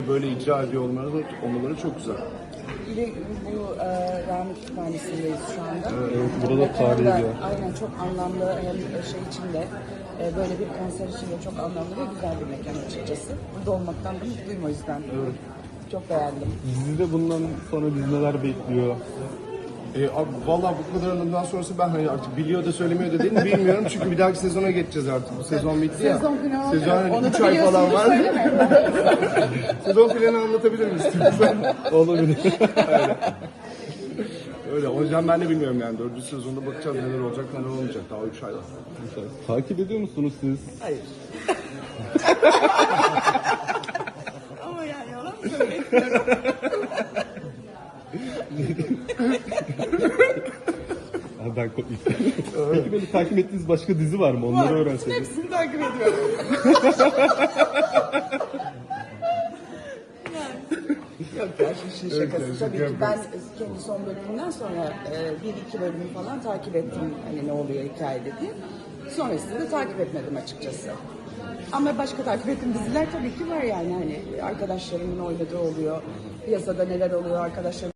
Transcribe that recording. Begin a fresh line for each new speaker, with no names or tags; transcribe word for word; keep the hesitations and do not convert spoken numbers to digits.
Böyle icra ediyor olmaları, olmaları çok güzel.
Bir de bu e, Rami Kütüphanesi'ndeyiz şu anda.
Evet, burada da tarihi bir yer.
Aynen, çok anlamlı, hem şey içinde e, böyle bir konser içinde çok anlamlı ve güzel bir mekan açıkçası. Burada olmaktan da mutluyum o yüzden.
Evet.
Çok beğendim.
Dizide bundan sonra bizi neler bekliyor?
E, abi, vallahi bu kadarından sonrası ben hani artık biliyor da söylemiyor da değil mi bilmiyorum. Çünkü bir dahaki sezona geçeceğiz artık. Bu sezon bitti ya.
Sezon planı
Sezon hani
onu
üç
da
ay falan var.
biliyorsunuz, söylemeyin.
Sezon planı anlatabilir misin?
Olabilir.
Öyle. O yüzden ben de bilmiyorum yani. Dördüncü sezonda bakacağız neler olacak neler olmayacak. Daha üç ay var.
Takip ediyor musunuz siz?
Hayır. Ama yani yalan mı söyleyeyim?
Ha, ben kopayım. Peki böyle takip ettiğiniz başka dizi var mı? Onları öğrenseniz.
Hepsini takip ediyorum. Yok ya, şu işin şakası.
Evet,
Tabii
şaka
ki ben kendi son bölümünden sonra e, bir iki bölümü falan takip ettim. Hani ne oluyor hikayede diye. Sonrasında takip etmedim açıkçası. Ama başka takip ettiğim diziler tabii ki var yani. Hani arkadaşlarımın oynadığı oluyor. Piyasada neler oluyor arkadaşlarım.